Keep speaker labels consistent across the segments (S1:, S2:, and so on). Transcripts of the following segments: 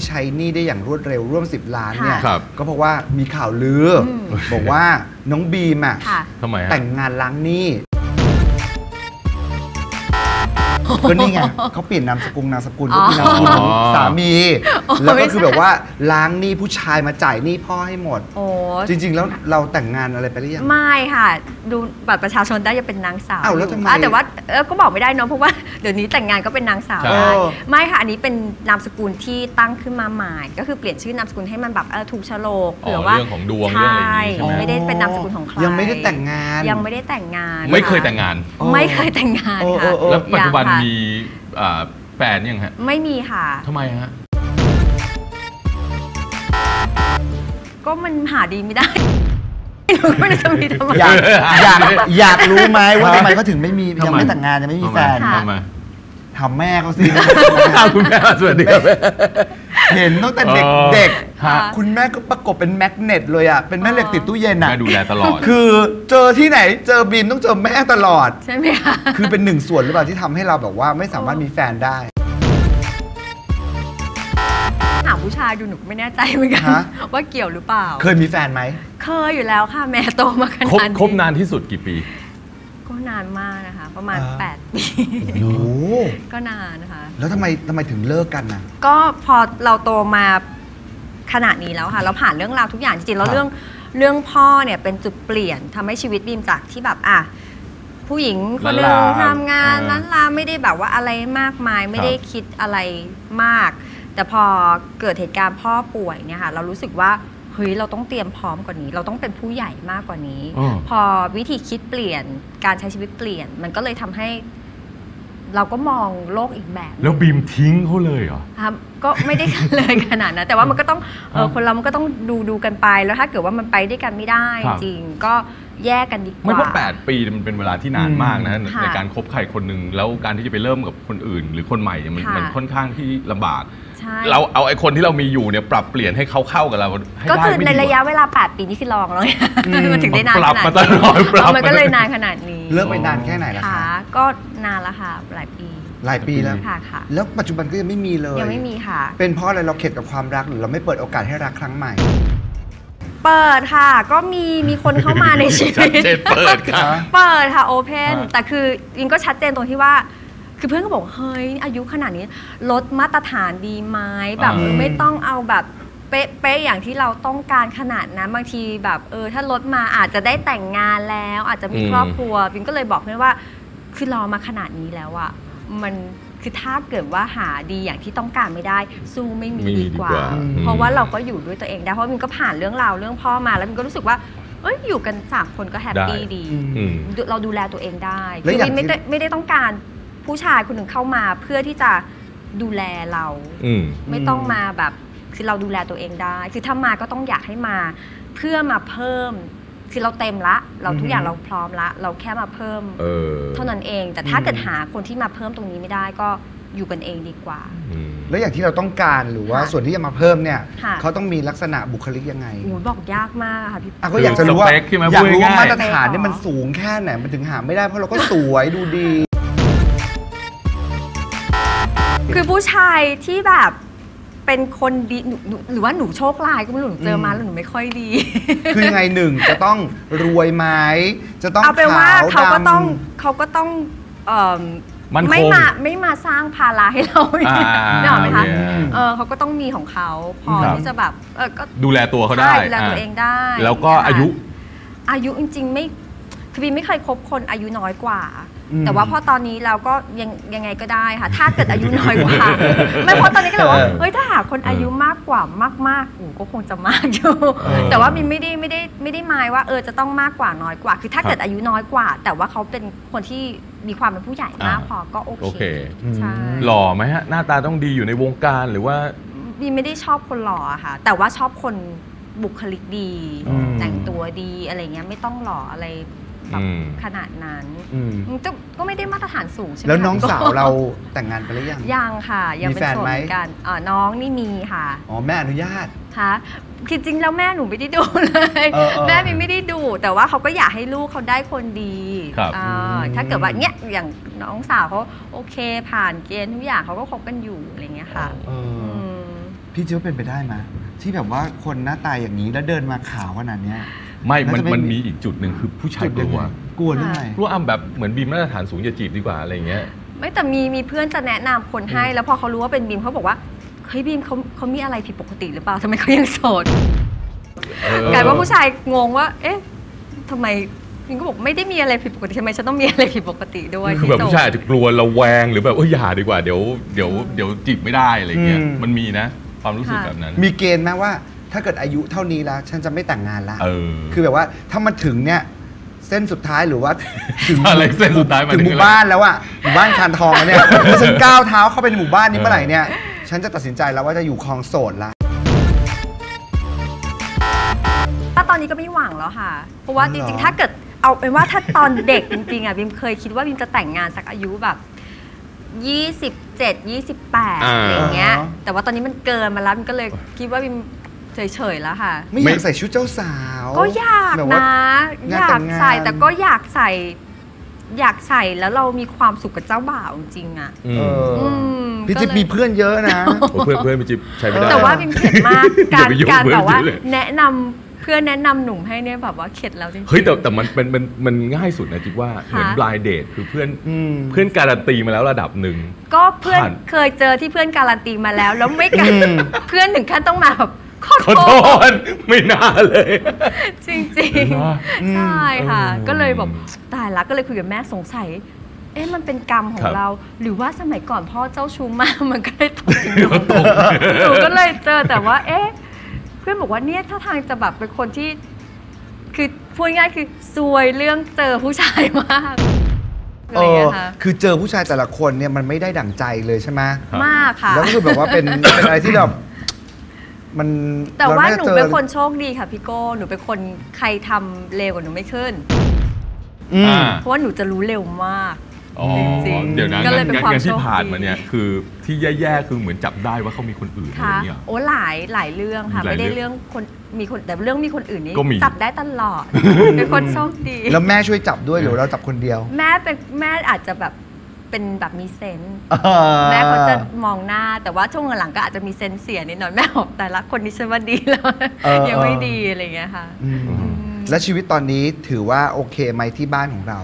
S1: ใช้หนี้ได้อย่างรวดเร็วร่วม10 ล้านเนี่ยก็เพราะว่ามีข่าวลือบอกว่าน้องบีมอ่ะ
S2: ทำไม
S1: แต่งงานล้างหนี้ก็นี่ไงเขาเปลี่ยนนามสกุลก็คือนามสกุลสามีแล้วก็คือแบบว่าล้างหนี้ผู้ชายมาจ่ายหนี้พ่อให้หมดจริงๆแล้วเราแต่งงานอะไรไปหรือยัง
S3: ไม่ค่ะดูบัตรประชาชนได้จะเป็นนางสาว
S1: แล้วทำไม
S3: แต่ว่าก็บอกไม่ได้เนาะเพราะว่าเดี๋ยวนี้แต่งงานก็เป็นนางสาวได้ไม่ค่ะอันนี้เป็นนามสกุลที่ตั้งขึ้นมาใหม่ก็คือเปลี่ยนชื่อนามสกุลให้มันแบบถูกโฉลก
S2: เผื่อว่าเรื่องของดวงเรื่องอะไรอย่างนี้ใช่ไหม
S3: ไม่ได้เป็นนามสกุลของใคร
S1: ยังไม่ได้แต่งงาน
S2: ไม่เคยแต่งงาน
S3: ค่ะ
S2: แล้วปัจจุบันมีแฟนยังฮะ
S3: ไม่มีค่ะ
S2: ทำไมฮะ
S3: ก็มันหาดีไม่ได้ไม่ได้จะมีทำไม
S1: อยากรู้ไหมว่าทำไมเขาถึงไม่มียังไม่แต่งงานยังไม่มีแฟนถามแม่เขาสิ
S2: คุณแม่สวัสดีครับ
S1: เห็นตั้งแต่เด็กๆคุณแม่ก็ประกบเป็นแมกเนตเลยอ่ะเป็นแม่เหล็กติดตู้เย็นอ่ะ
S2: แม่ดูแลตลอด
S1: คือเจอที่ไหนเจอบีมต้องเจอแม่ตลอด
S3: ใช่ไหมคะ
S1: คือเป็นหนึ่งส่วนหรือเปล่าที่ทำให้เราแบบว่าไม่สามารถมีแฟนได้
S3: ถามผู้ชายดูหนูไม่แน่ใจเหมือนกันว่าเกี่ยวหรือเปล่า
S1: เคยมีแฟนไหม
S3: เคยอยู่แล้วค่ะแม่โตมาขนาดนี้
S2: คบนานที่สุดกี่ปี
S3: ก็นานมากนะคะประมาณ8 ปีก็นานนะคะ
S1: แล้วทำไมถึงเลิกกันนะ
S3: ก็พอเราโตมาขนาดนี้แล้วค่ะเราผ่านเรื่องราวทุกอย่างจริงๆแล้วเรื่องพ่อเนี่ยเป็นจุดเปลี่ยนทำให้ชีวิตบีมจากที่แบบผู้หญิงคนหนึ่งทำงานล้านลาไม่ได้แบบว่าอะไรมากมายไม่ได้คิดอะไรมากแต่พอเกิดเหตุการณ์พ่อป่วยเนี่ยค่ะเรารู้สึกว่าเฮ้ยเราต้องเตรียมพร้อมกว่านี้เราต้องเป็นผู้ใหญ่มากกว่านี้พอวิธีคิดเปลี่ยนการใช้ชีวิตเปลี่ยนมันก็เลยทำให้เราก็มองโลกอีกแบบ
S2: แล้วบีมทิ้งเขาเลยเหรอ
S3: ครับก็ไม่ได้เลยขนาดนั้นแต่ว่ามันก็ต้องคนเรามันก็ต้องดูกันไปแล้วถ้าเกิดว่ามันไปด้วยกันไม่ได้จริงก็แยกกันดีกว่า
S2: ไม่เพราะ8 ปีมันเป็นเวลาที่นานมากนะในการคบใครคนหนึ่งแล้วการที่จะไปเริ่มกับคนอื่นหรือคนใหม่เนี่ยมันค่อนข้างที่ลำบากเราเอาไอ้คนที่เรามีอยู่เนี่ยปรับเปลี่ยนให้เขาเข้ากับเราให้ได้
S3: ก็คือในระยะเวลา8 ปีนี่คือลองแล้วมันถึงได้นานขนาดนี้มันก็เลยนานขนาดนี้
S1: เลิกไปนานแค่ไหนล่ะคะ
S3: ก็นานแล้วค่ะหลายปี
S1: แล้ว
S3: ค่ะ
S1: แล้วปัจจุบันก็ยังไม่มีเลย
S3: ยังไม่มีค่ะ
S1: เป็นเพราะอะไรเราเข็ดกับความรักหรือเราไม่เปิดโอกาสให้รักครั้งใหม่
S3: เปิดค่ะก็มีคนเข้ามาในชีวิต
S2: เปิด
S3: ค่ะโอเพนแต่คือยิงก็ชัดเจนตรงที่ว่าคือเพื่อนก็บอกเฮ้ยอายุขนาดนี้ลดมาตรฐานดีไหมแบบไม่ต้องเอาแบบเป๊ะอย่างที่เราต้องการขนาดนั้นบางทีแบบถ้าลดมาอาจจะได้แต่งงานแล้วอาจจะมีครอบครัวบินก็เลยบอกเพื่อนว่าคือรอมาขนาดนี้แล้วอะมันคือถ้าเกิดว่าหาดีอย่างที่ต้องการไม่ได้สู้ไม่มีดีกว่าเพราะว่าเราก็อยู่ด้วยตัวเองได้เพราะมินก็ผ่านเรื่องราวเรื่องพ่อมาแล้วมินก็รู้สึกว่าอยู่กัน3 คนก็แฮปปี้ดีเราดูแลตัวเองได้คือมินไม่ได้ต้องการผู้ชายคนหนึ่งเข้ามาเพื่อที่จะดูแลเราไม่ต้องมาแบบคือเราดูแลตัวเองได้คือถ้ามาก็ต้องอยากให้มาเพื่อมาเพิ่มคือเราเต็มละเราทุกอย่างเราพร้อมละเราแค่มาเพิ่มเท่านั้นเองแต่ถ้าเกิดหาคนที่มาเพิ่มตรงนี้ไม่ได้ก็อยู่กันเองดีกว่า
S1: แล้วอย่างที่เราต้องการหรือว่าส่วนที่จะมาเพิ่มเนี่ยเขาต้องมีลักษณะบุคลิกยังไง
S3: บอกยากมากค่ะพี่
S1: ก็อยากจะรู้ว่ามาตรฐานนี่มันสูงแค่ไหนมันถึงหาไม่ได้เพราะเราก็สวยดูดี
S3: คือผู้ชายที่แบบเป็นคนดีหรือว่าหนูโชคร้ายก็ไม่รู้หนูเจอมาแล้วหนูไม่ค่อยดี
S1: คือยังไงหนึ่งจะต้องรวยไหมจะต้อง
S3: เอาเป็นว่าเขาก็ต้องไม่มาสร้างภาระให้เราเนี่ยหรอไหมคะเขาก็ต้องมีของเขาพอที่จะแบบก็
S2: ดูแลตัวเขาได้
S3: ดูแลตัวเองได้
S2: แล้วก็อายุ
S3: จริงๆไม่คือบีไม่เคยคบคนอายุน้อยกว่าแต่ว่าพอตอนนี้เราก็ยังไงก็ได้ค่ะถ้าเกิดอายุน้อยกว่าไม่เพราะตอนนี้ก็เลยว่าเฮ้ยถ้าหาคนอายุมากกว่ามากก็คงจะมากอยู่แต่ว่ามินไม่ได้หมายว่าจะต้องมากกว่าน้อยกว่าคือถ้าเกิดอายุน้อยกว่าแต่ว่าเขาเป็นคนที่มีความเป็นผู้ใหญ่มากพอก็โอเค
S2: ใช่หล่อไหมฮะหน้าตาต้องดีอยู่ในวงการหรือว่า
S3: บีไม่ได้ชอบคนหล่อค่ะแต่ว่าชอบคนบุคลิกดีแต่งตัวดีอะไรเงี้ยไม่ต้องหล่ออะไรขนาดนั้นก็ไม่ได้มาตรฐานสูงใช่ไหม
S1: แล้วน้องสาวเราแต่งงานไปหรือยัง
S3: ค่ะยังเป็นโสดเหมือนกันน้องนี่มีค่ะ
S1: แม่อนุญาต
S3: ค่ะคือจริงแล้วแม่หนูไม่ได้ดูเลยแม่ไม่ได้ดูแต่ว่าเขาก็อยากให้ลูกเขาได้คนดีถ้าเกิดว่าเนี้ยอย่างน้องสาวเขาโอเคผ่านเกณฑ์ทุกอย่างเขาก็คบกันอยู่อะไรเงี้ยค่ะ
S1: พี่คิดว่าเป็นไปได้ไหมที่แบบว่าคนหน้าตาอย่างนี้แล้วเดินมาขาวขนาดเนี้ย
S2: ไม่
S1: แล้วจะไม่
S2: มันมีอีกจุดหนึ่งคือผู้ชายกลัว
S1: กลัวเรื่องอะไร
S2: กลัวแบบเหมือนบีมมาตรฐานสูงอย่าจีบดีกว่าอะไรอย่างเงี้ย
S3: ไม่แต่มีเพื่อนจะแนะนำคนให้ แล้วพอเขารู้ว่าเป็นบีมเขาบอกว่าเฮ้ยบีมเขามีอะไรผิดปกติหรือเปล่าทำไมเขายังโสดกลายว่าผู้ชายงงว่าเอ๊ะทำไมบีมก็บอกไม่ได้มีอะไรผิดปกติทำไมฉันต้องมีอะไรผิดปกติด้วย
S2: คือแบบผู้ชายอาจจะกลัวระแวงหรือแบบอย่าดีกว่าเดี๋ยวจีบไม่ได้อะไรเงี้ยมันมีนะความรู้สึกแบบนั้น
S1: มีเกณฑ์ไหมว่าถ้าเกิดอายุเท่านี้แล้วฉันจะไม่แต่งงานละ
S2: คื
S1: คือแบบว่าถ้ามันถึงเนี่ยเส้นสุดท้ายหรือว่าถึง
S2: อะไรเส้นสุดท้ายมัน
S1: ถึงหมู่บ้านแล้วอะหมู่บ้านคานทองแล้วเนี่ยถ้าฉันก้าวเท้าเข้าไปในหมู่บ้านนี้เมื่อไหร่เนี่ยฉันจะตัดสินใจแล้วว่าจะอยู่ครองโสดละ
S3: ถ้าตอนนี้ก็ไม่หวังแล้วค่ะเพราะว่าจริงๆถ้าเกิดเอาเป็นว่าถ้าตอนเด็กจริงๆอ่ะบิมเคยคิดว่าบิมจะแต่งงานสักอายุแบบ27 28อะไรอย่างเงี้ยแต่ว่าตอนนี้มันเกินมาแล้วบิมก็เลยคิดว่าบิมเฉยๆแล้วค่ะ
S1: ไม่อยากใส่ชุดเจ้าสาว
S3: ก็อยากนะอยากใส่แต่ก็อยากใส่แล้วเรามีความสุขกับเจ้าบ่าวจริงๆอ่ะ
S1: พี่จิ๊บมีเพื่อนเยอะนะ
S2: เพื่อนพี่จิ๊บใช้ไม่ได้
S3: แต่ว่าบิมเข็ดมากการแบบว่าแนะนำเพื่อนแนะนำหนุ่มให้เนี่ยแบบว่าเข็ดแล้วจริงๆ
S2: เฮ้ยแต่มันง่ายสุดนะจิ๊บว่าเหมือน blind date คือเพื่อนการันตีมาแล้วระดับหนึ่ง
S3: ก็เพื่อนเคยเจอที่เพื่อนการันตีมาแล้วไม่กันเพื่อนถึงขั้นต้องมาแบบขอโทษ
S2: ไม่น่าเลย
S3: จริงๆใช่ค่ะก็เลยแบบตายละก็เลยคุยกับแม่สงสัยมันเป็นกรรมของเราหรือว่าสมัยก่อนพ่อเจ้าชู้มากมันก็เลยตกหนูก็เลยเจอแต่ว่าเพื่อนบอกว่าเนี่ยถ้าทางจะแบบเป็นคนที่คือพูดง่ายคือซวยเรื่องเจอผู้ชายมาก
S1: คือเจอผู้ชายแต่ละคนเนี่ยมันไม่ได้ดั่งใจเลยใช่ไหม
S3: มากค่ะ
S1: แล้วก็คือแบบว่าเป็นอะไรที่แบบมัน
S3: แต่ว่าหนูเป็นคนโชคดีค่ะพี่โก้หนูเป็นคนใครทำเร็วกว่าหนูไม่ขึ้นเพราะว่าหนูจะรู้เร็วมากจริงๆ
S2: เดี๋ยวนะงานที่ผ่านมาเนี่ยคือที่แย่ๆคือเหมือนจับได้ว่าเขามีคนอื่นอะไรเงี้ย
S3: โอ้หลายเรื่องค่ะไม่ได้เรื่องคนมีคนแต่เรื่องมีคนอื่นนี่จับได้ตลอดเป็นคนโชคดี
S1: แล้วแม่ช่วยจับด้วยหรือเราจับคนเดียว
S3: แม่อาจจะแบบเป็นแบบมีเซนส์แม่เขาจะมองหน้าแต่ว่าช่วงหลังก็อาจจะมีเซนส์เสียนิดหน่อยแม่บอกแต่ละคนนี้ฉันว่าดีแล้วยังไม่ดีอะไรเงี้ยค่ะ
S1: และชีวิตตอนนี้ถือว่าโอเคไหมที่บ้านของเรา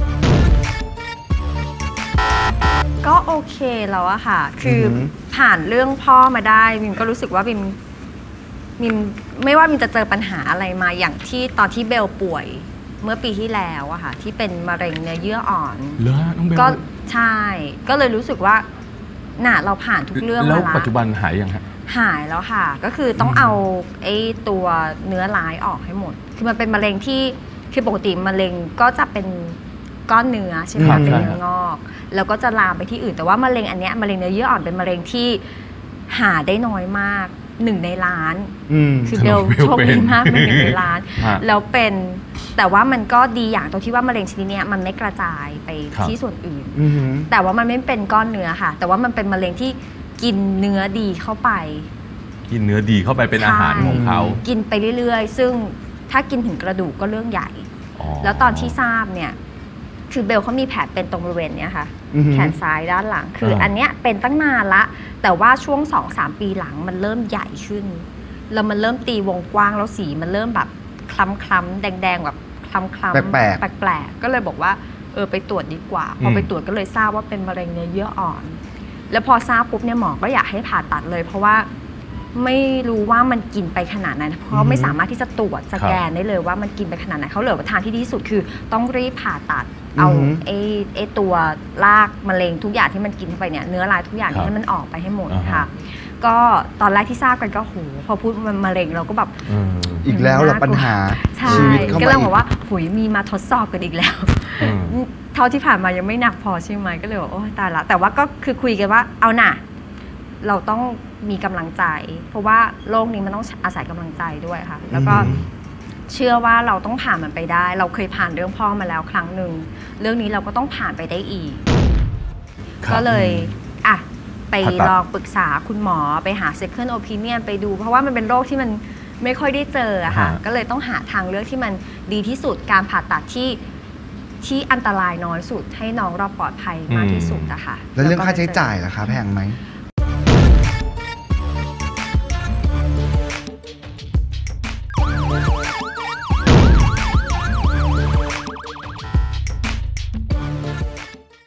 S3: ก็โอเคแล้วอะค่ะคือผ่านเรื่องพ่อมาได้มิมก็รู้สึกว่ามิมไม่ว่ามิมจะเจอปัญหาอะไรมาอย่างที่ตอนที่เบลป่วยเมื่อปีที่แล้วอะค่ะที่เป็นมะเร็งเนื้อเยื่ออ่อนก็ใช่ก็เลยรู้สึกว่าเราผ่านทุกเรื่องมาแล้ว
S2: ปัจจุบันหายยังฮะ
S3: หายแล้วค่ะก็คือต้องเอาตัวเนื้อร้ายออกให้หมดคือมันเป็นมะเร็งที่คือปกติมะเร็งก็จะเป็นก้อนเนื้อใช่ไหมเป็นเนื้องอกแล้วก็จะลามไปที่อื่นแต่ว่ามะเร็งอันเนี้ยมะเร็งเนื้อเยื่ออ่อนเป็นมะเร็งที่หาได้น้อยมาก1 ในล้านคือเบลโชคดีมากเป็น1 ในล้านแล้วเป็นแต่ว่ามันก็ดีอย่างตรงที่ว่ามะเร็งชนิดนี้มันไม่กระจายไปที่ส่วนอื่นแต่ว่ามันไม่เป็นก้อนเนื้อค่ะแต่ว่ามันเป็นมะเร็งที่กินเนื้อดีเข้าไป
S2: กินเนื้อดีเข้าไปเป็นอาหารของเขา
S3: กินไปเรื่อยๆซึ่งถ้ากินถึงกระดูกก็เรื่องใหญ่แล้วตอนที่ทราบเนี่ยคือเบลเขามีแผลเป็นตรงบริเวณเนี้ยค่ะแขนซ้ายด้านหลังคืออันเนี้ยเป็นตั้งนานละแต่ว่าช่วง 2-3 ปีหลังมันเริ่มใหญ่ขึ้นแล้วมันเริ่มตีวงกว้างแล้วสีมันเริ่มแบบคล้ำๆแดงๆแบบคล้ำๆแปลกๆก็เลยบอกว่าไปตรวจดีกว่าพอไปตรวจก็เลยทราบว่าเป็นมะเร็งเนื้อเยื่ออ่อนแล้วพอทราบปุ๊บเนี่ยหมอก็อยากให้ผ่าตัดเลยเพราะว่าไม่รู้ว่ามันกินไปขนาดไหนเพราะไม่สามารถที่จะตรวจสแกนได้เลยว่ามันกินไปขนาดไหนเขาเหลือทางที่ดีที่สุดคือต้องรีบผ่าตัดเอาตัวรากมะเร็งทุกอย่างที่มันกินเข้าไปเนี่ยเนื้อร้ายทุกอย่างให้มันออกไปให้หมดค่ะก็ตอนแรกที่ทราบกันก็โหพอพูดมะเร็งเราก็แบบ
S1: อีกแล้วเหรอปัญหาชีวิตเข้ามาก็
S3: เลยบอกว่าหุยมีมาทดสอบกันอีกแล้วเท่าที่ผ่านมายังไม่หนักพอใช่ไหมก็เลยบอกโอ้ตายละแต่ว่าก็คือคุยกันว่าเอาน่ะเราต้องมีกำลังใจเพราะว่าโลกนี้มันต้องอาศัยกำลังใจด้วยค่ะแล้วก็เชื่อว่าเราต้องผ่านมันไปได้เราเคยผ่านเรื่องพ่อมาแล้วครั้งหนึ่งเรื่องนี้เราก็ต้องผ่านไปได้อีกก็เลยไปลองปรึกษาคุณหมอไปหา second opinion ไปดูเพราะว่ามันเป็นโรคที่มันไม่ค่อยได้เจอค่ะก็เลยต้องหาทางเลือกที่มันดีที่สุดการผ่าตัดที่อันตรายน้อยสุดให้น้องเราปลอดภัยมากที่สุดอะค่ะ
S1: แล้วเรื่องค่าใช้จ่ายล่ะคะแพงไหม